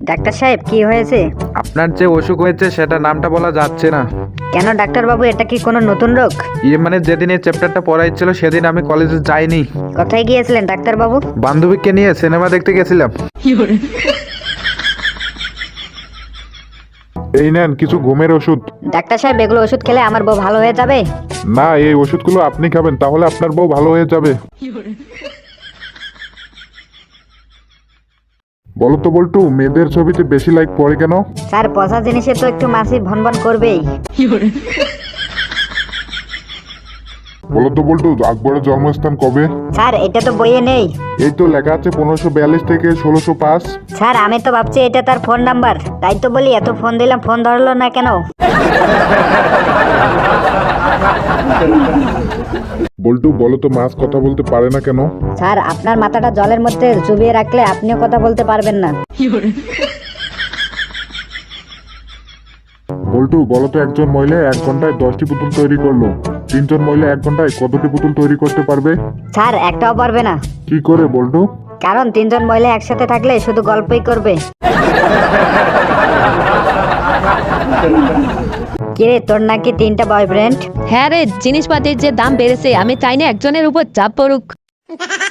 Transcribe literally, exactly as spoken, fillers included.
Doctor সাহেব কি হয়েছে? আপনার যে অসুখ হয়েছে সেটা নামটা বলা যাচ্ছে না। কেন ডাক্তার বাবু, এটা কি কোনো নতুন রোগ? ইয়ে মানে যেদিন এই চ্যাপ্টারটা পড়াইছিল সেদিন আমি কলেজে যাইনি। কোথায় গিয়েছিলেন ডাক্তার বাবু? বান্ধবীকে নিয়ে সিনেমা দেখতে গেছিলাম। এই নেন কিছু ঘুমের ওষুধ। ডাক্তার সাহেব এগুলো ওষুধ খেলে আমার বউ ভালো হয়ে যাবে? না, এই ওষুধগুলো আপনি খাবেন, তাহলে আপনার বউ ভালো হয়ে যাবে। বলো তো বল্টু, মেয়েদের ছবিতে বেশি লাইক পড়ে কেন? স্যার পচা জিনিসে তো একটু মাছি ভনভন করবেই। বলো তো বল্টু, আকবরের জন্মস্থান কবে? স্যার এটা তো বইয়ে নেই। এই তো লেখা আছে পনেরোশো বিয়াল্লিশ থেকে ষোলোশো পাঁচ। স্যার আমি তো ভাবছি এটা তার ফোন নাম্বার, তাই তো বলি এত ফোন দিলাম ফোন ধরলো না কেন? বল্টু বলো তো, মাছ কথা বলতে পারে না কেন? স্যার আপনার মাথাটা জলের মধ্যে চুবিয়ে রাখলে আপনিও কথা বলতে পারবেন না। বল্টু বলো তো, একজন মহিলা এক ঘন্টায় দশটি পুতুল তৈরি করলো, তিনজন মহিলা এক ঘন্টায় কতটি পুতুল তৈরি করতে পারবে? স্যার একটাও পারবে না। কি করে বল্টু? কারণ তিনজন মহিলা একসাথে থাকলে শুধু গল্পই করবে। কিরে তোর নাকি তিনটা বয়ফ্রেন্ড? হ্যাঁ রে, জিনিসপাতির যে দাম বেড়েছে, আমি চাই না একজনের উপর চাপ পড়ুক।